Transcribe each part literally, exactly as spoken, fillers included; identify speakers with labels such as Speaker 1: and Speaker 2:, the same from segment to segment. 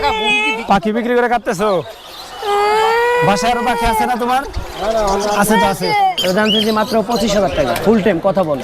Speaker 1: পাখি বিক্রি করে কাটতেছো? বাসায় আরো পাখি আছে না তোমার? আছে তো আছে।
Speaker 2: এর দাম চাইছি মাত্র পঁচিশ হাজার টাকা, ফুল টাইম কথা বলে।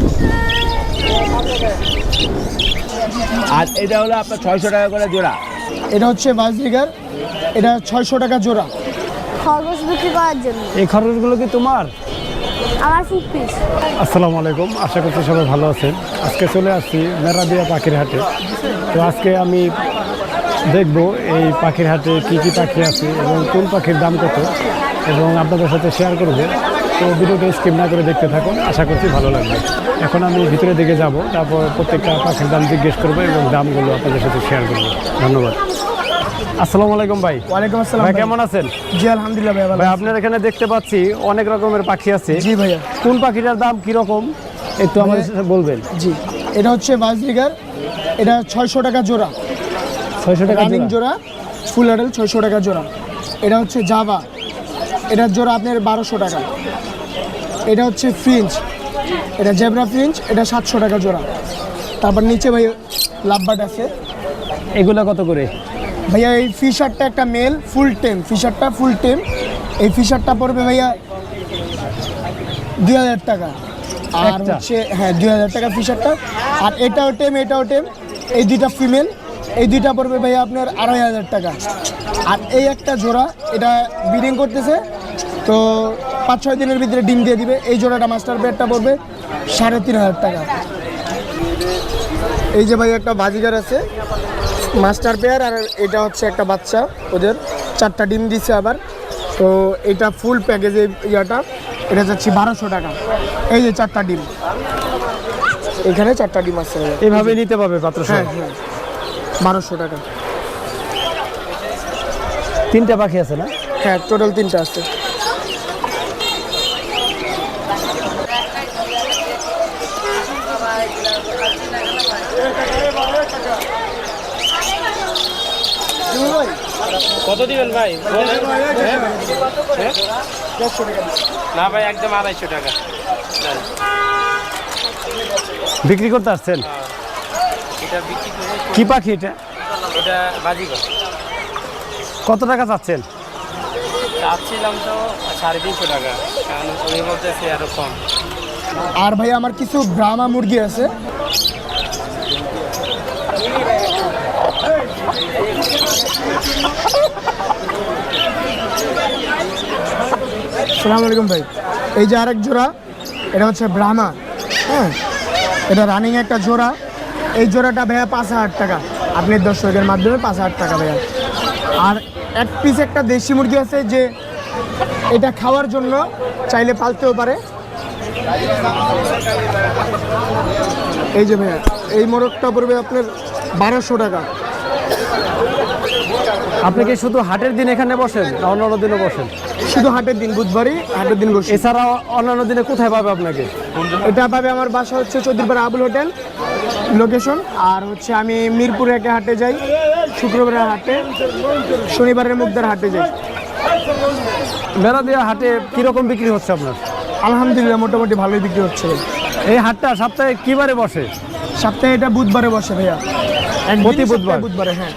Speaker 3: আর এটা হলো আপনার ছয়শো টাকা করে জোড়া।
Speaker 4: এটা হচ্ছে বাজরিগার, এটা ছয়শো টাকা জোড়া।
Speaker 5: খরগোশ বিক্রি করার জন্য।
Speaker 1: এই খরচগুলো কি তোমার?
Speaker 5: আমার ফুড পিস।
Speaker 1: আসসালামু আলাইকুম, আশা করছি সবাই ভালো আছেন। আজকে চলে আসছি মেরাদিয়া পাখির হাটে। তো আজকে আমি দেখব এই পাখির হাটে কি কি পাখি আছে এবং কোন পাখির দাম কত, এবং আপনাদের সাথে শেয়ার করব। তো ভিডিওটা স্কিপ না করে দেখতে থাকুন, আশা করছি ভালো লাগবে। এখন আমি ভিতরের দিকে যাব, তারপর প্রত্যেকটা পাখির দাম জিজ্ঞেস করবো এবং দামগুলো আপনাদের সাথে শেয়ার করবো। ধন্যবাদ। আসসালামু আলাইকুম ভাই।
Speaker 4: ওয়ালাইকুম আসসালাম
Speaker 1: ভাই, কেমন আছেন?
Speaker 4: জি আলহামদুলিল্লাহ ভাই, ভালো।
Speaker 1: ভাই, আপনার এখানে দেখতে পাচ্ছি অনেক রকমের পাখি আছে।
Speaker 4: জি ভাইয়া।
Speaker 1: কোন পাখিটার দাম কিরকম একটু আমাদের সাথে বলবেন?
Speaker 4: জি, এটা হচ্ছে বাজরিগার, এটা ছয়শো টাকা জোড়া।
Speaker 1: ছয়শো টাকা
Speaker 4: রানিং জোড়া, ফুল অ্যাডাল, ছয়শো টাকা জোড়া। এটা হচ্ছে জাভা, এটার জোড়া আপনার বারোশো টাকা। এটা হচ্ছে ফ্রিঞ্চ, এটা জেব্রা ফ্রিঞ্চ, এটা সাতশো টাকা জোড়া। তারপর নিচে ভাই লাভবার্ড আছে।
Speaker 1: এগুলা কত করে?
Speaker 4: ভাইয়া এই ফিশারটা একটা মেল, ফুল টেম, ফিশারটা ফুল টেম। এই ফিশারটা পড়বে ভাইয়া দুই হাজার টাকা। আর
Speaker 1: একটা?
Speaker 4: হচ্ছে হ্যাঁ দুই হাজার টাকা ফিশারটা। আর এটাও টেম, এটাও টেম, এই দুইটা ফিমেল, এই দুইটা পড়বে ভাইয়া আপনার আড়াই হাজার টাকা। আর এই একটা জোড়া, এটা ব্রিডিং করতেছে, তো পাঁচ ছয় দিনের ভিতরে ডিম দিয়ে দিবে। এই জোড়াটা মাস্টার পেয়ারটা পড়বে সাড়ে তিন হাজার টাকা। এই যে ভাই একটা বাজিগার আছে মাস্টার পেয়ার, আর এটা হচ্ছে একটা বাচ্চা, ওদের চারটা ডিম দিচ্ছে আবার। তো এটা ফুল প্যাকেজে ইয়াটা, এটা যাচ্ছে বারোশো টাকা। এই যে চারটা ডিম, এখানে চারটা ডিম আছে,
Speaker 1: এভাবে নিতে পারবে পাত্র?
Speaker 4: হ্যাঁ হ্যাঁ, বারোশো টাকা।
Speaker 1: তিনটা পাখি আছে না?
Speaker 4: হ্যাঁ, টোটাল তিনটা আছে।
Speaker 2: কত দিবেন ভাই? না ভাই, একদম আড়াইশো টাকা।
Speaker 1: বিক্রি করতে আসছেন?
Speaker 2: এটা বিক্রি করে
Speaker 1: কি পাখি এটা?
Speaker 2: এটা বাজিগর।
Speaker 1: কত টাকা চাচ্ছেন?
Speaker 2: চাচ্ছিলাম তো সাড়ে তিনশো টাকা, কারণ উনি বলতেছে আরো কম।
Speaker 4: আর ভাই আমার কিছু ব্রাহ্মা মুরগি আছে। আসসালামু আলাইকুম ভাই। এই যে আরেক জোড়া, এটা হচ্ছে ব্রাহ্মা। হ্যাঁ, এটা রানিং একটা জোড়া। এই জোড়াটা ভাইয়া পাঁচ হাজার টাকা, আপনি দর্শকের মাধ্যমে পাঁচ হাজার টাকা ভাইয়া। আর এক পিস একটা দেশি মুরগি আছে, যে এটা খাওয়ার জন্য চাইলে পালতেও পারে। এই যে ভাইয়া, এই মোরগটা পড়বে আপনার বারোশো টাকা।
Speaker 1: আপনি কি শুধু হাটের দিন এখানে বসেন না অন্যান্য দিনে বসেন?
Speaker 4: শুধু হাটের দিন, বুধবারই হাটের দিন বসে।
Speaker 1: এছাড়া অন্যান্য দিনে কোথায় পাবে আপনাকে?
Speaker 4: এটা পাবে আমার বাসা হচ্ছে চৌধুরীপাড়া আবুল হোটেল লোকেশন। আর হচ্ছে আমি মিরপুরে একটা হাটে যাই, শুক্রবারের হাটে, শনিবারের মুগদার হাটে যাই।
Speaker 1: মেরাদিয়া হাটে কিরকম বিক্রি হচ্ছে আপনার?
Speaker 4: আলহামদুলিল্লাহ মোটামুটি ভালোই বিক্রি হচ্ছে।
Speaker 1: এই হাটটা সপ্তাহে কিবারে বসে?
Speaker 4: সপ্তাহে এটা বুধবারে বসে ভাইয়া, একদিনই
Speaker 1: প্রতি বুধবার?
Speaker 4: সপ্তাহে বুধবারে, হ্যাঁ।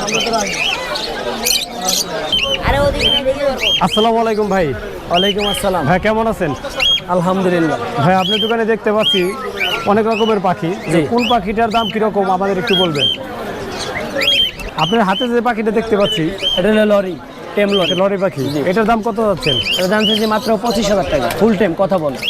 Speaker 1: আসসালামু আলাইকুম ভাই।
Speaker 2: ওয়ালাইকুম আসসালাম।
Speaker 1: ভাই, কেমন আছেন?
Speaker 2: আলহামদুলিল্লাহ।
Speaker 1: ভাই, আপনার দোকানে দেখতে পাচ্ছি অনেক রকমের পাখি।
Speaker 2: জি।
Speaker 1: কোন পাখিটার দাম কিরকম আমাদের একটু বলবেন? আপনার হাতে যে পাখিটা দেখতে পাচ্ছি,
Speaker 2: এটা হলো লরি, টেম লরি।
Speaker 1: লরি পাখি, এটার দাম কত যাচ্ছেন?
Speaker 2: এর দাম চাইছি মাত্র পঁচিশ হাজার টাকা, ফুল টাইম কথা বলে।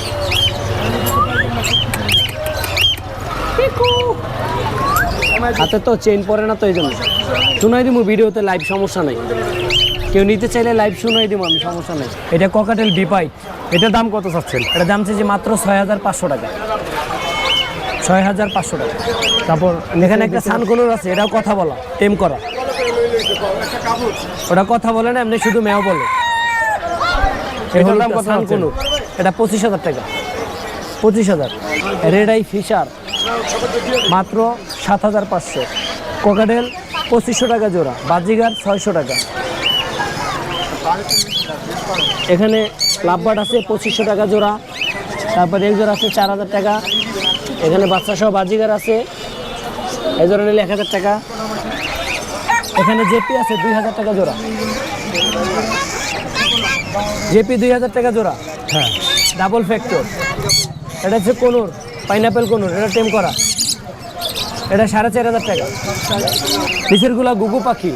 Speaker 2: হাতে তো চেইন পরে না, তো এই জন্য শুনাই দিব ভিডিওতে, লাইভ সমস্যা নাই। কেউ নিতে চাইলে লাইভ শুনাই দিব আমি, সমস্যা নেই। এটা ককাটেল বিপাইট।
Speaker 1: এটার দাম কত চাচ্ছেন?
Speaker 2: এটার দাম চাইছি মাত্র ছয় হাজার পাঁচশো টাকা, ছয় হাজার পাঁচশো টাকা।
Speaker 1: তারপর
Speaker 2: এখানে একটা সানকুনুর আছে, এটাও কথা বলা, টেম করা। ওটা কথা বলে না, এমনি শুধু মেও বলে।
Speaker 1: এটার দাম কত যাচ্ছেন?
Speaker 2: সানকুনুর, এটা পঁচিশ হাজার টাকা, পঁচিশ হাজার। রেড আই ফিশার মাত্র সাত হাজার পাঁচশো। কোকাডেল পঁচিশশো টাকা জোড়া, বাজিগার ছয়শো টাকা। এখানে লাভবার্ড আছে পঁচিশশো টাকা জোড়া, তারপরে এক জোড়া আছে চার হাজার টাকা। এখানে বাচ্চা সহ বাজিগার আছে, এই জোড়া নিলে এক হাজার টাকা। এখানে জেপি আছে দুই হাজার টাকা জোড়া। জেপি দুই হাজার টাকা জোড়া,
Speaker 1: হ্যাঁ
Speaker 2: ডাবল ফ্যাক্টর। এটা হচ্ছে কোনুর, পাইনাপেল কোনুর, এটা টেম করা। এটা সাড়ে চার হাজার টাকা। নিচেরগুলা গুগু পাখি,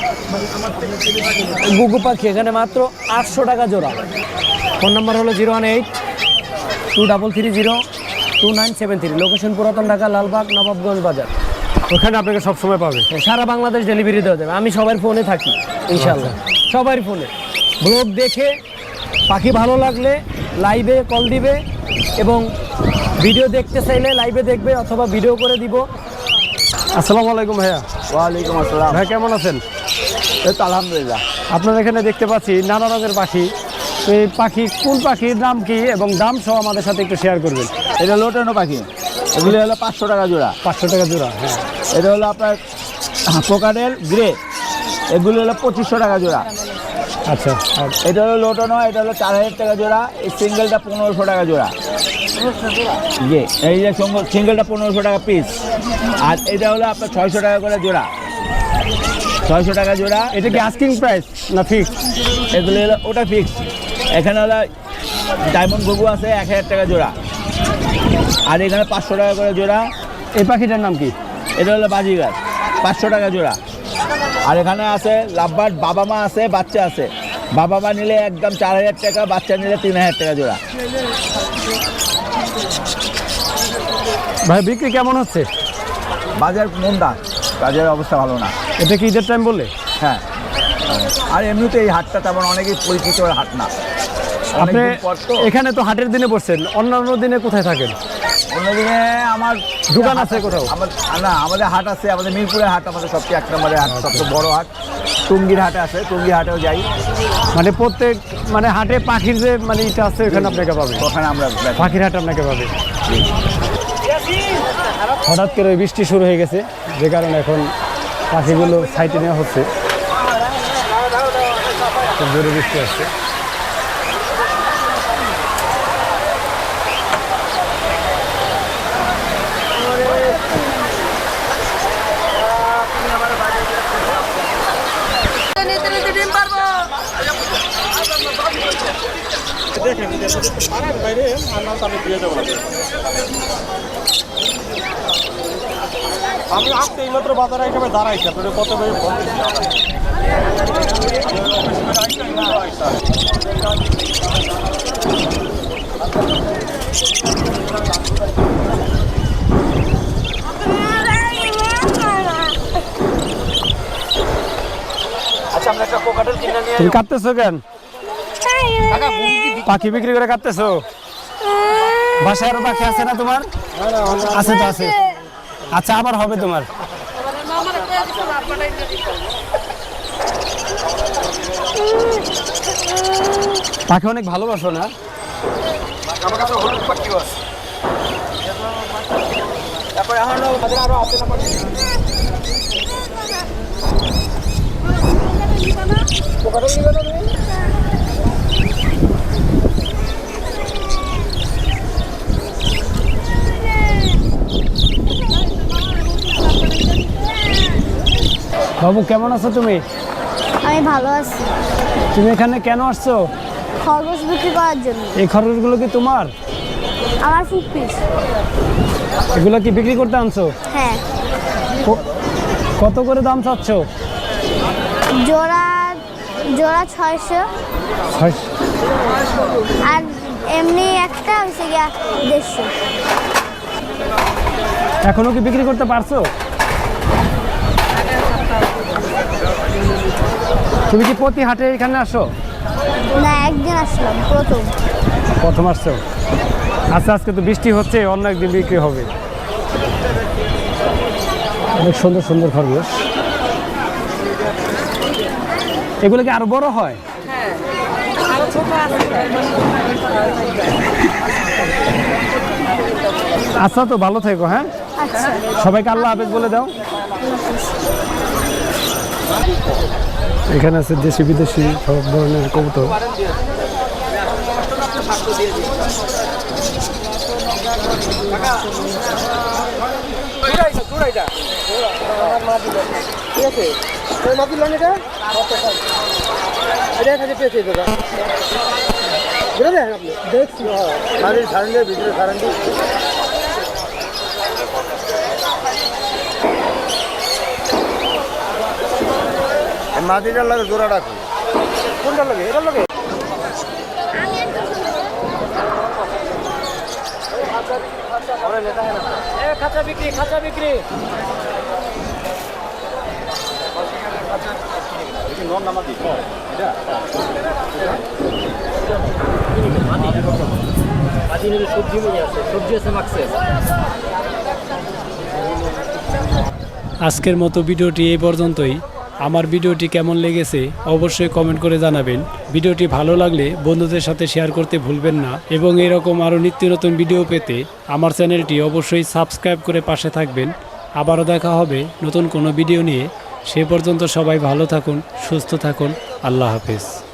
Speaker 2: গুগু পাখি এখানে মাত্র আটশো টাকা জোড়া। ফোন নাম্বার হলো zero one eight two double three zero two nine seven three. Location পুরাতন ঢাকা, লালবাগ, নবাবগঞ্জ বাজার।
Speaker 1: ওখানে আপনাকে সবসময় পাবে।
Speaker 2: সারা বাংলাদেশ ডেলিভারি দেওয়া যাবে। আমি সবার ফোনে থাকি ইনশাল্লাহ, সবার ফোনে। ব্লগ দেখে পাখি ভালো লাগলে লাইভে কল দিবে, এবং ভিডিও দেখতে চাইলে লাইভে দেখবে অথবা ভিডিও করে দিব।
Speaker 1: আসসালামু আলাইকুম ভাইয়া।
Speaker 3: ওয়ালাইকুম আসসালাম।
Speaker 1: ভাই কেমন আছেন?
Speaker 3: এই তো আলহামদুলিল্লাহ।
Speaker 1: আপনার এখানে দেখতে পাচ্ছি নানা রঙের পাখি। তো এই পাখি কোন পাখির নাম কি এবং দাম সহ আমাদের সাথে একটু শেয়ার করবেন।
Speaker 3: এটা লোটানো পাখি, এগুলি হলো পাঁচশো টাকা জোড়া।
Speaker 1: পাঁচশো টাকা জোড়া, হ্যাঁ।
Speaker 3: এটা হলো আপনার কোকাডেল গ্রে, এগুলি হলো পঁচিশশো টাকা জোড়া।
Speaker 1: আচ্ছা, আর
Speaker 3: এটা হলো লোটানো, এটা হলো চার হাজার টাকা জোড়া। এই সিঙ্গেলটা পনেরোশো টাকা জোড়া। জি, এই যে সিঙ্গেলটা পনেরোশো টাকা পিস। আর এটা হলো আপনার ছয়শো টাকা করে জোড়া, ছয়শো টাকা জোড়া।
Speaker 1: এটা কি আস্কিং প্রাইস না ফিক্স?
Speaker 3: এগুলো হলো ওটা ফিক্স। এখানে হলো ডায়মন্ড ঘুঘু আছে এক হাজার টাকা জোড়া, আর এখানে পাঁচশো টাকা করে জোড়া।
Speaker 1: এই পাখিটার নাম কি?
Speaker 3: এটা হলো বাজিগার, পাঁচশো টাকা জোড়া। আর এখানে আছে লাভবার্ড, বাবা মা আছে, বাচ্চা আছে। বাবা মা নিলে একদম চার হাজার টাকা, বাচ্চা নিলে তিন হাজার টাকা জোড়া।
Speaker 1: ভাই বিক্রি কেমন হচ্ছে?
Speaker 3: বাজার মন্দা, বাজারের অবস্থা ভালো না।
Speaker 1: এটা কি ঈদের টাইম বললে?
Speaker 3: হ্যাঁ, আর এমনিতে এই হাটটা তেমন অনেকেই পরিচিত হাট না।
Speaker 1: আপনি
Speaker 3: অনেকদিন পর তো।
Speaker 1: এখানে তো হাটের দিনে বসছেন, অন্যান্য দিনে কোথায় থাকেন?
Speaker 3: অন্যদিনে আমার
Speaker 1: দোকান আছে কোথাও?
Speaker 3: আমার না, আমাদের হাট আছে, আমাদের মিরপুরের হাট আমাদের সবচেয়ে এক নম্বরের হাট, সবচেয়ে বড় হাট। টুঙ্গির হাটে আছে, টুঙ্গি হাটেও যাই।
Speaker 1: মানে প্রত্যেক মানে হাটে পাখির যে মানে ইটা আছে ওখানে আপনাকে পাবে,
Speaker 3: ওখানে আমরা
Speaker 1: পাখির হাট আপনাকে পাবে। হঠাৎ করে বৃষ্টি শুরু হয়ে গেছে, যে কারণে এখন পাখিগুলো সাইটে নেওয়া হচ্ছে। খুব জোরে বৃষ্টি আসছে।
Speaker 6: আমি আসতে এই মাত্র বাজারে এখানে দাঁড়াইছি, আপনাদের কত ভাই ফোন
Speaker 2: আচ্ছা, আমরা একটা কোকাটেল কিনে নিয়ে
Speaker 1: তুমি কাটতেছো কেন? পাখি বিক্রি করে কাটতেছো? বাসায় আরো পাখি আছে না তোমার? আছে তো আছে। আচ্ছা, আবার হবে তোমার। পাখি অনেক ভালোবাসো না?
Speaker 6: আমার কাছে হলুদ পাখি আছে। তারপরে এখন আমাদের আরো আছে না পাখি। কোকাটেল নিবে না তুমি?
Speaker 1: বাবু কেমন আছো তুমি?
Speaker 5: আমি ভালো আছি।
Speaker 1: তুমি এখানে কেন আসছো?
Speaker 5: খরগোশ বিক্রি করার জন্য।
Speaker 1: এই খরচগুলো কি তোমার?
Speaker 5: আমার ফুড পিস।
Speaker 1: এগুলো কি বিক্রি করতে আনছো?
Speaker 5: হ্যাঁ,
Speaker 1: ক- কত করে দাম চাচ্ছ?
Speaker 5: জোড়া জোড়া ছয়শো,
Speaker 1: ছয়শ-
Speaker 5: আর এমনি একটা হচ্ছে গিয়া দেড়শো।
Speaker 1: এখনো কি বিক্রি করতে পারছো? তুমি কি প্রতি হাটে এখানে আসো?
Speaker 5: না, একদিন আসলাম প্রথম।
Speaker 1: প্রথম আসছো? আচ্ছা, আজকে তো বৃষ্টি হচ্ছে, অন্য একদিন বিক্রি হবে। অনেক সুন্দর সুন্দর খরগোশ। এগুলো কি আরো বড় হয়? আচ্ছা, তো ভালো থেকো। হ্যাঁ,
Speaker 5: আচ্ছা,
Speaker 1: সবাইকে আল্লাহ হাফেজ বলে দাও। এখানে আছে দেশি বিদেশি সব ধরনের কবুতর।
Speaker 6: ঠিক আছে।
Speaker 4: মাটির লন এটা এটা কাছে পেয়েছে দাদা বুঝে দেখেন আপনি দেখছি মাটির সারেন্ডের ভিতরে সারেন্ডি মাটিটার লাগে জোড়া রাখো কোনটা লাগে এটার লাগে
Speaker 2: খাঁচা বিক্রি খাঁচা বিক্রি সবজি আছে সবজি আছে মাক্সি আছে।
Speaker 1: আজকের মতো ভিডিওটি এই পর্যন্তই। আমার ভিডিওটি কেমন লেগেছে অবশ্যই কমেন্ট করে জানাবেন। ভিডিওটি ভালো লাগলে বন্ধুদের সাথে শেয়ার করতে ভুলবেন না এবং এরকম আরও নিত্য নতুন ভিডিও পেতে আমার চ্যানেলটি অবশ্যই সাবস্ক্রাইব করে পাশে থাকবেন। আবারও দেখা হবে নতুন কোনো ভিডিও নিয়ে। সে পর্যন্ত সবাই ভালো থাকুন, সুস্থ থাকুন। আল্লাহ হাফেজ।